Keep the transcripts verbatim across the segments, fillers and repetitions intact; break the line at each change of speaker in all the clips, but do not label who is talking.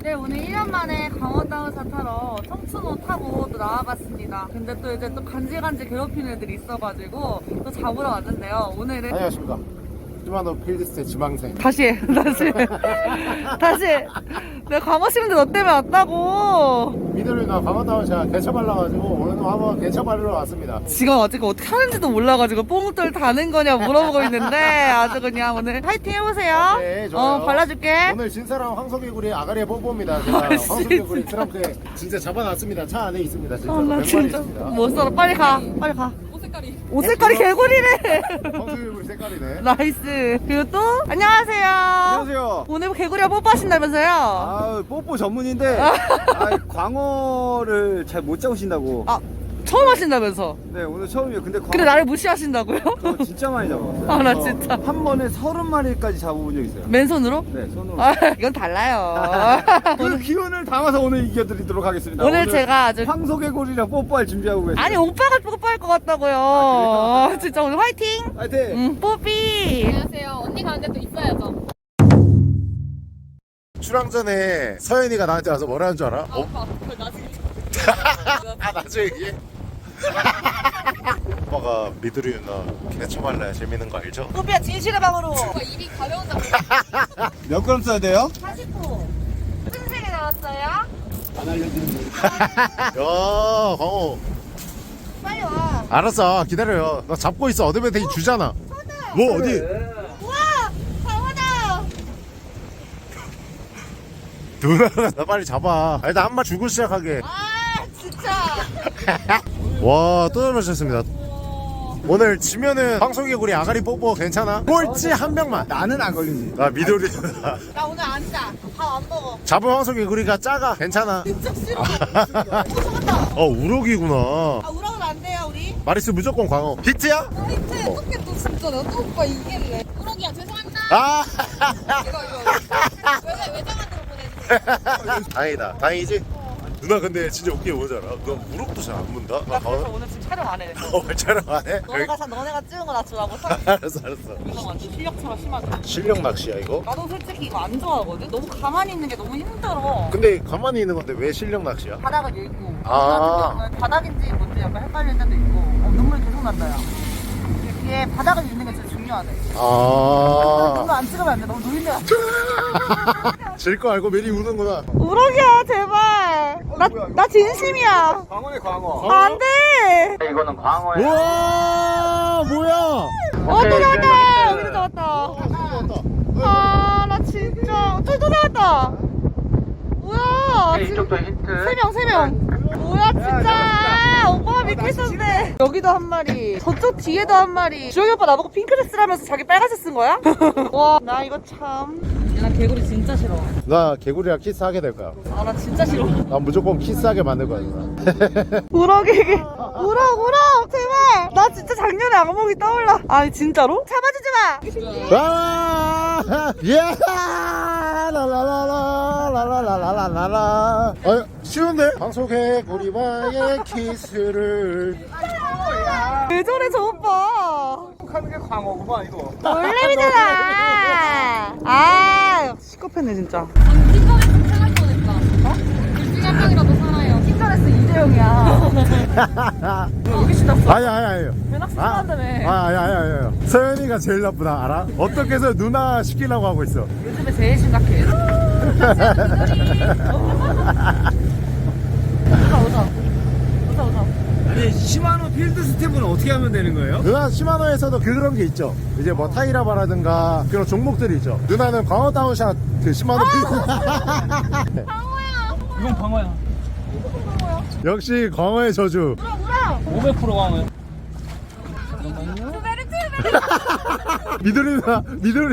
네, 오늘 일 년 만에 강원다운사 타러 청춘호 타고 또 나와봤습니다. 근데 또 이제 또 간질간질 괴롭히는 애들이 있어가지고 또 잡으러 왔는데요. 오늘은
안녕하십니까. 시마노 필드스의 지망생.
다시 해, 다시 다시 해. 내가 광어 심는데 너 때문에 왔다고.
미들이나 강원다운 제가 개차 발라가지고 오늘도 한번 개차 바르러 왔습니다.
지금 아직 어떻게 하는지도 몰라가지고 뽕돌 다는 거냐 물어보고 있는데 아주 그냥 오늘 파이팅 해보세요.
네, 좋아요.
어, 발라줄게.
오늘 진 사람 황소개구리 아가리에 뽀뽀입니다. 제가
아,
황소개구리 트렁크에 진짜 잡아놨습니다. 차 안에 있습니다. 진짜
아, 나 진짜 못 살아. 빨리 가, 빨리 가. 옷 색깔이 옷 색깔이 개구리래.
황소개구리 색깔이네.
나이스. 그리고 또 안녕하세요.
안녕하세요.
오늘 개구리가 뽀뽀하신다면서요?
아, 뽀뽀 전문인데 아, 광어를 잘 못 잡으신다고.
아, 처음 하신다면서?
네, 오늘 처음이에요. 근데 광어
근데 나를 무시하신다고요?
저 진짜 많이 잡았어요.
아, 나
저
진짜.
한 번에 서른 마리까지 잡아본 적 있어요.
맨손으로?
네, 손으로.
아, 이건 달라요.
그 기운을 담아서 오늘 이겨드리도록 하겠습니다.
오늘 제가 아주
황소개구리랑 뽀뽀할 준비하고 계세요.
아니 오빠가 뽀뽀할 것 같다고요.
아,
아, 진짜 오늘 화이팅.
파이팅!
응, 뽀삐.
안녕하세요. 언니 가는데 또 있어야죠.
출항 전에 서연이가 나한테 와서 뭐라는 줄 알아?
아,
어?
오빠, 그거 나중에.
아 나중에 얘기해. 오빠가 미드리 누나 개차 발라야 재밌는 거 알죠?
뽀삐야 진실의 방으로.
오빠 입이 가벼운다고.
몇 그램 써야 돼요?
사십 호. 무슨 색이 나왔어요?
안 알려드리면
야 광호.
빨리 와.
알았어 기다려요. 나 잡고 있어. 어드밴테이지 주잖아. 뭐 어디?
우와, 강호다.
누나가 나 빨리 잡아. 일단 한 마 주고 시작하게.
아, 진짜.
와, 또 잡으셨습니다. 오늘 지면은 황소개구리 아가리 뽀뽀 괜찮아? 꼴찌 한 명만.
나는 안 걸리지.
나 미도리 누나.
나 오늘 안 짜. 밥 안 먹어.
잡은 황소개구리가 작아. 괜찮아.
진짜 싫어. 또 속았다.
어, 우럭이구나.
아, 우럭은 안 돼요, 우리.
마리스 무조건 광어. 히트야?
하여튼 어떻게 또 진짜 내가 또 오빠 이길래. 우럭이야 죄송합니다.
아!
이거 이거. 외장 외장한으로 보내주세요.
다행이다. 다행이지? 누나 근데 진짜 웃긴 게 뭔지 알아? 누나 우럭도 잘 안 문다? 나
그래서
가...
오늘 지금 촬영 안 해.
어, 촬영 안 해?
너네가 사, 너네가 찍은 거 나 주라고.
알았어, 알았어.
이거 완전 실력차가 심하죠.
실력 낚시야, 이거?
나도 솔직히 이거 안 좋아하거든. 너무 가만히 있는 게 너무 힘들어.
근데 가만히 있는 건데 왜 실력 낚시야?
바닥을 읽고.
아.
바닥인지 뭔지 약간 헷갈릴 때도 있고. 어, 눈물 계속 난다, 야. 이게 바닥을 읽는 게 진짜 중요하네.
아.
눈을 안 찍으면 안 돼. 너무 노인네가.
질 거 알고 미리 우는구나.
우럭이야, 제발. 나, 나 진심이야.
광어네, 광어.
아, 안 돼.
이거는 광어예요.
우와, 뭐야?
어, 또 나왔다. 여기도 나왔다.
나왔다.
아, 나 진짜. 또, 또 나왔다. 뭐야.
이쪽도 힌트.
세 명, 세 명. 뭐야, 진짜. 오빠가 믿고 있었는데. 여기도 한 마리. 저쪽 뒤에도 한 마리. 주영이 오빠 나보고 핑크레스라면서 자기 빨간색 쓴 거야? 와, 나 이거 참. 나 개구리 진짜 싫어.
나 개구리랑 키스하게 될 거야.
아, 나 진짜 싫어.
난 무조건 키스하게 만들 거야, 누나.
우럭에게. 우럭, 우럭. 제발. 나 진짜 작년에 악몽이 떠올라. 아니, 진짜로? 잡아주지 마.
아, 예! 라라라라, 라라라라라라. 아, 쉬운데? 방송개구리와의 키스를.
왜 저래, 저 오빠.
하는 게 광어구만, 이거.
놀래미잖아. 아, 시커패네, 진짜.
언니 킹거레스 살할 뻔했다. 어? 둘 중에 한 명이라도 살아요.
킹거레스 이재용이야. 여기 신났어.
아니, 아니, 아니.
배낚시
아,
좋아한다며.
아, 아니, 아니, 아니, 아니. 서연이가 제일 나쁘다, 알아? 어떻게 해서 누나 시키려고 하고 있어.
요즘에 제일 심각해. 오자, 오자. 오자, 오자.
아니, 시마노 필드 스텝은 어떻게 하면 되는 거예요?
누나 시마노에서도 그런 게 있죠. 이제 뭐 타이라바라든가 그런 종목들이 있죠. 누나는 광어 다운샷 그 시마노 필드.
이건 광어야.
역시 광어의 저주.
오백 퍼센트 광어야.
미도리 누나 미도리.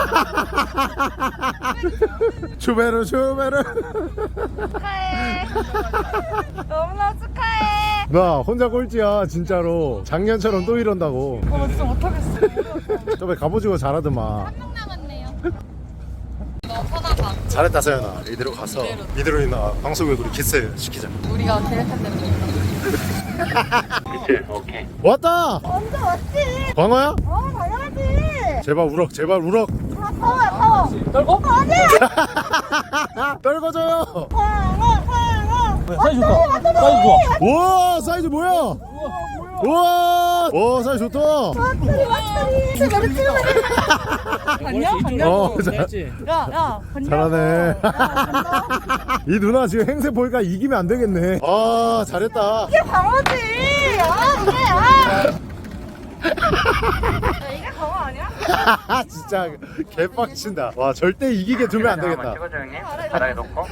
추베르 추베르.
축하해. 너무나 축하해.
나 혼자 꼴찌야 진짜로. 작년처럼 또 이런다고.
어, 나 진짜 못하겠어.
저번에 갑오징어 잘하더만.
한 명 남았네요. 너 퍼나봐.
잘했다 서연아. 이대로 가서 미도리 누나 방송개구리 키스 시키자.
우리가 계획한 대로
왔다.
완전 왔지.
광어야?
어, 당연하지.
제발 우럭 제발 우럭.
아빠 타워야 타워.
떨고?
떨궈줘요.
사이즈 좋다. 사이즈 좋아.
우와 사이즈 뭐야? 우와 오 사이즈 좋다.
안녕 안녕.
어 자,
야야
잘하네. 이 누나 지금 행세 보니까 이기면 안 되겠네. 아 잘했다.
이게 광어지. 아 이게 아. 이게 광어 아니야?
진짜 개빡친다. 와 절대 이기게 두면 안 되겠다.
찍어줘 형님. 바닥에 놓고.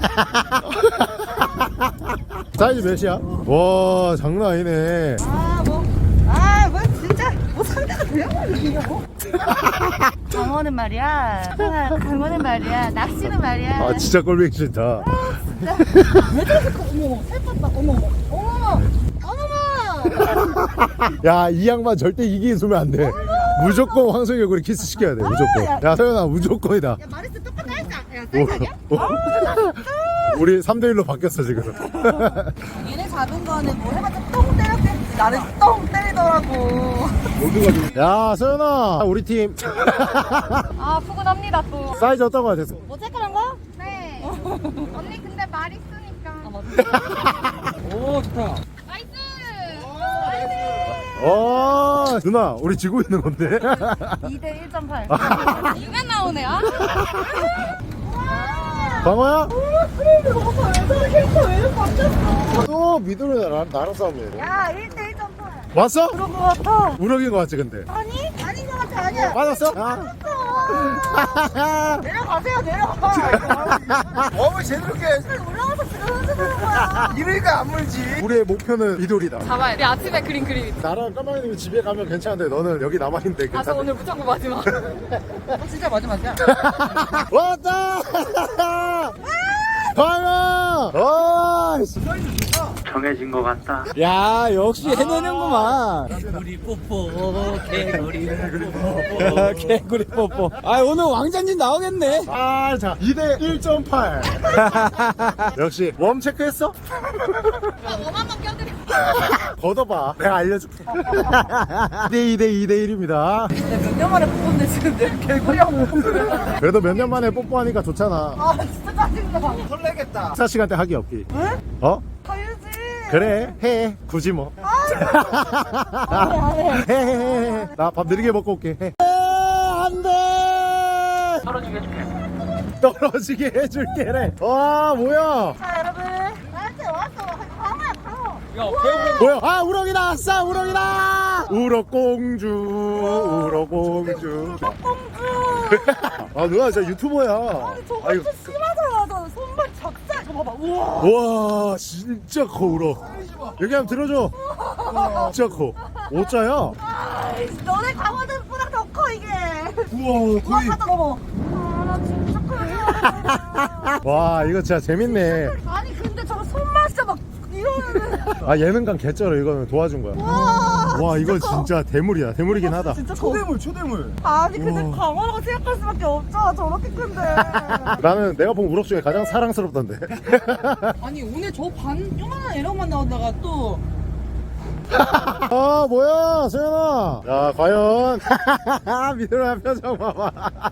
사이즈 몇이야? 와 장난 아니네.
아뭐아뭐 진짜 뭐 상대가 돼야 이기냐고? 광어는 말이야. 광어는 말이야. 낚시는 말이야.
아 진짜 꼴보기 싫다.
왜 저렇게 커? 어머 살쪘다. 어머 어머 어머머.
야 이 양반 절대 이기게 두면 안 돼. 무조건 황석이 얼굴에 키스 시켜야 돼. 무조건. 야 서연아 무조건이다.
야 마리스 똑같아 했어. 야 사이즈 아니야?
오, 오. 우리 삼 대 일로 바뀌었어 지금.
얘네 잡은 거는 뭐 해봤자 똥 때렸겠지. 나는 똥 때리더라고.
야 서연아 우리 팀
아 푸근합니다 또.
사이즈 어떤 거 같았어?
뭐 색깔한 거?
네. 언니 근데 말 있으니까.
오, 좋다.
나이스.
어 누나 우리 지고 있는 건데.
이 대 일 점 팔.
누가 나오네. 아.
광호야?
그래 이거 봐봐. 왜 저렇게 커? 왜 이렇게 바뀌었어?
또 미도를 나, 나랑 싸움이야.
야 일 대 일 점 팔.
왔어?
그런 거 같아.
우럭인 거 같지 근데.
아니? 아닌 거 같아. 아니야.
맞았어? 아.
내려가세요. 내려가.
어머 제대로게.
올라가서 들어오는 거야.
이러니까 안 물지.
우리의 목표는 미돌이다.
잡아야 돼. 아침에 그린 그림 있어.
나랑 까마귀님이 집에 가면 괜찮은데 너는 여기 남아있는데
아, 저
괜찮아?
오늘 무창고 마지막.
진짜 마지막이야.
왔다! 광호! 와!
정해진 것 같다.
야, 역시 해내는구만. 개구리 뽀뽀, 개구리 뽀뽀, 개구리 뽀뽀. 아, 오늘 왕자님 나오겠네.
아, 자, 이 대 일 점 팔. 역시, 웜 체크했어?
웜 한번 껴드릴게.
걷어봐. 내가 알려줄게. 이 대 이 대 이 대 일입니다.
몇 년 만에 뽑았는데 지금 내 개구리하고 뽑는.
그래도 몇 년 만에 뽀뽀하니까 좋잖아.
아 진짜 짜증나.
설레겠다.
식사 시간 때 하기 없기. 어?
가야지.
그래, 해. 굳이 뭐.
안해 안해.
해, 해, 해, 해. 나 밥 느리게 먹고 올게. 해. 안 돼!
떨어지게 해줄게.
떨어지게 해줄게래. 와, 뭐야?
자 여러분 나한테 왔어. 광어야 광어.
야, 배우
뭐야? 아, 우럭이다! 아싸, 우럭이다! 우럭공주, 우럭공주.
공주.
아, 누나 진짜 유튜버야.
아니 저거
아이고.
진짜 심하잖아. 저 손발 작살. 저 봐봐. 우와.
와, 진짜 커, 우럭. 여기 한번 들어줘. 진짜 커. 오자야?
아이씨, 너네 광어들보다 더 커 이게.
우와,
우와
거의.
가자 어머. 아나 진짜 커.
와, 이거 진짜 재밌네.
아니 근데 저거 손맛 진짜 막 이러면은.
아, 예능감 개쩔어. 이거는 도와준 거야.
와.
와, 이거 진짜 대물이야. 대물이긴 하다.
진짜 커.
초대물 초대물.
아니 근데
우와.
광어라고 생각할 수밖에 없잖아. 저렇게 큰데.
나는 내가 본 우럭 중에 가장 사랑스럽던데.
아니 오늘 저 반 요만한 에러만 나오다가 또.
아, 뭐야, 소연아. 야, 과연. 미들아, 표정 봐봐.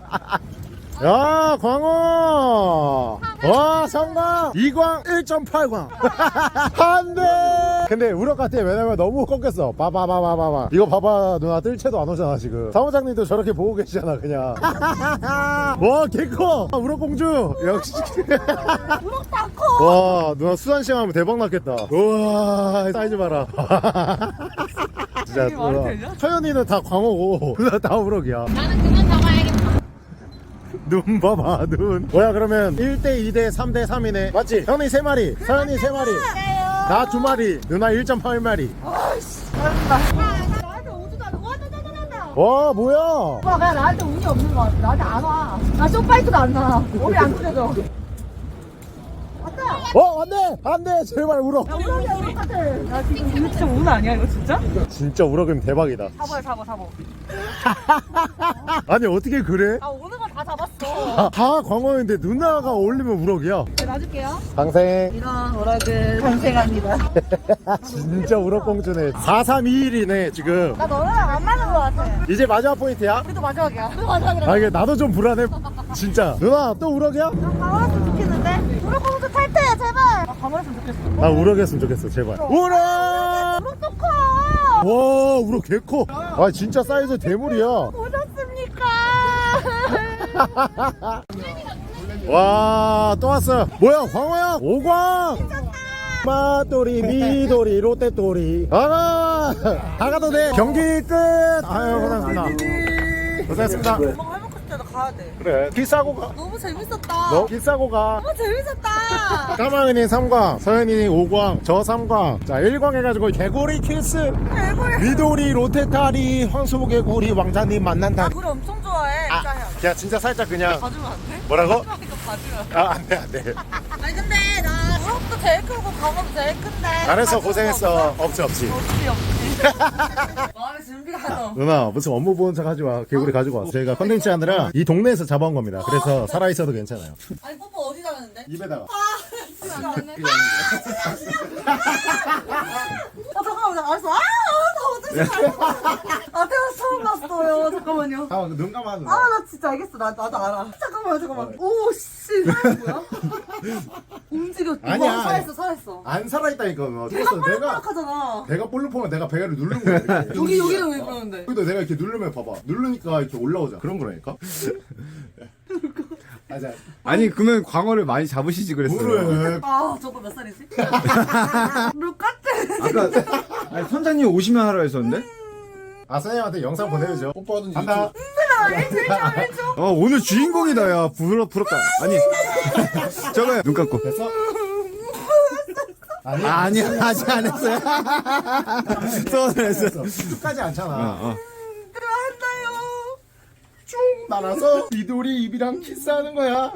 야, 광어. 와, 성광. 이광 일 점 팔 광. 안 돼. 근데 우럭 같아. 왜냐면 너무 꺾였어. 봐봐봐봐봐봐. 이거 봐봐. 누나 뜰채도 안 오잖아, 지금. 사무장님도 저렇게 보고 계시잖아, 그냥. 와, 개커. 우럭 공주. 역시.
우럭 다 커.
와, 누나 수산시장 하면 대박 났겠다. 우와, 사이즈 봐라. 진짜
이게 말이
누나.
되냐?
서연이는 다 광어고 누나 다 우럭이야.
나는 그만 잡아야겠다.
눈 봐봐, 눈. 뭐야, 그러면 일 대 이 대 삼 대 삼이네. 맞지? 형이 세 마리, 서연이 세 마리, 나 두 마리, 누나 일 점 팔 마리.
아이씨. 잘한다. 나한테 오지도 않아. 와, 나나나나.
와, 뭐야?
오빠 그냥 나한테 운이 없는 거 같아. 나한테 안 와. 나 쇼파이트도 안 나. 몸이 안 풀려져. 왔다.
어, 안 돼! 안 돼! 제발 우럭.
야, 우럭이야, 우럭 같아. 나 지금 이거 진짜 운 아니야, 이거 진짜?
진짜 우럭이면 대박이다.
잡아요, 잡아, 잡아.
아니, 어떻게 그래?
아, 오는 거 다 잡았어. 없어.
다 광어인데 누나가 올리면 우럭이야.
놔줄게요.
방생.
이런 오락을 탄생합니다.
진짜 우럭공주네. 사 삼 이 일이네 지금.
나 너네랑 안 맞는 것 같아.
이제 마지막 포인트야.
우리도 마지막이야. 우리도 마지막이라.
아 이게 나도 좀 불안해. 진짜. 누나 또 우럭이야?
강원했으면 좋겠는데? 우럭 공주 탈퇴 제발. 아, 강원했으면 좋겠어.
나 우럭이었으면 좋겠어 제발. 우럭!
우럭 또 커.
와 우럭 개커. 아 진짜 사이즈 대물이야.
보셨습니까?
와 또 왔어. 뭐야 광어야? 오광. 마돌이 미돌이 롯데돌이. 아가 다 가도 돼. 경기 끝. 아유 고생했습니다. 고생했습니다.
엄마가 해먹고 싶다. 나 가야 돼.
그래 길 싸고 가.
너무 재밌었다.
너 길 싸고 가.
너무 재밌었다.
까망이니 삼 광, 서현이니 오 광, 저 삼 광. 자 일 광 해가지고 개구리 키스.
개구리.
미돌이 롯데타리 황소개구리 왕자님 만난다.
나 노래 엄청 좋아해.
아,
진짜 형.
그냥 진짜 살짝 그냥
봐주면 안 돼?
뭐라고?
이거 봐주면.
아 안돼 안돼.
아니 근데 나 우럭도 제일 크고 강어도 제일 큰데.
잘했어
가져온 거
고생했어.
없어?
없지 없지.
없지 없지. 마음의 준비가 너.
누나 무슨 업무 보는 척 하지 마. 개구리 가지고 왔어. 저희가 컨텐츠 하느라 이 동네에서 잡아온 겁니다. 그래서 살아 있어도 괜찮아요.
아니 뽀뽀 어디 가는데?
입에다가.
진짜 안 해. 아 잠깐만 나 알았어. 아나 어떡해. 아 태어나서 처음 봤어요. 잠깐만요.
아, 눈 감아 누나.
아 나 진짜 알겠어. 나 나도 알아. 잠깐만 잠깐만. 오씨 사람 뭐야? 움직여.
아니야,
와, 살았어 살았어.
안 살아있다니까. 너.
내가
그래서 내가
뻘락하잖아.
배가 볼록하면 내가 배를 누른 거야. 이렇게.
여기 여기는 왜 그러는데?
여기도 내가 이렇게 누르면 봐봐. 누르니까 이렇게 올라오잖아. 그런 거라니까. 맞아.
아니 그러면 광어를 많이 잡으시지 그랬어요.
그래.
아 저거 몇 살이지? 몇 같아?
아까 아니, 선장님 오시면 하라 했었는데.
아 선생님한테 영상 보내야죠. 뽀뽀하든지. 간다.
어 오늘 주인공이다 야 부럽 부럽다. 아니 저거야 눈 감고.
됐어? 아니
아, 아니야 아직 안 했어요. 또 했어.
끝까지 않잖아.
어, 어.
들어간다요.
쭉 날아서 미돌이 입이랑 키스하는 거야.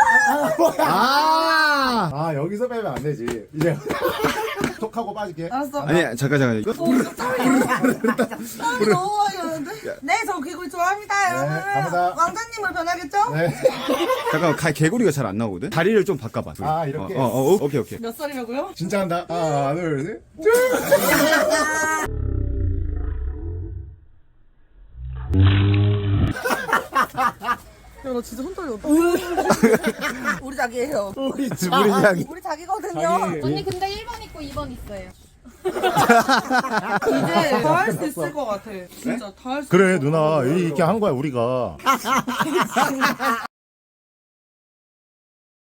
아
아 여기서 빼면 안 되지. 이제 톡하고 빠질게.
알았어.
아니 잠깐 잠깐 이거
오, 땀이 너무 많이 나는데? 네, 저 개구리 좋아합니다, 여러분.
감사합니다.
왕자님을 변하겠죠?
네.
잠깐 가, 개구리가 잘 안 나오거든. 다리를 좀 바꿔봐. 둘이.
아, 이렇게?
어, 어, 어, 오케이 오케이.
몇 살이라고요?
진짜 한다. 하나 둘 셋.
야, 나 진짜 손 떨려. 우리 자기예요.
우리 집
우리 자기.
우리 자기거든요.
자기.
언니 근데 일 번 있고 이 번 있어요.
이제 다 할 수 있을 것 같아. 진짜 다 할 수 있을
그래
것 같아.
누나 이렇게 한 거야 우리가.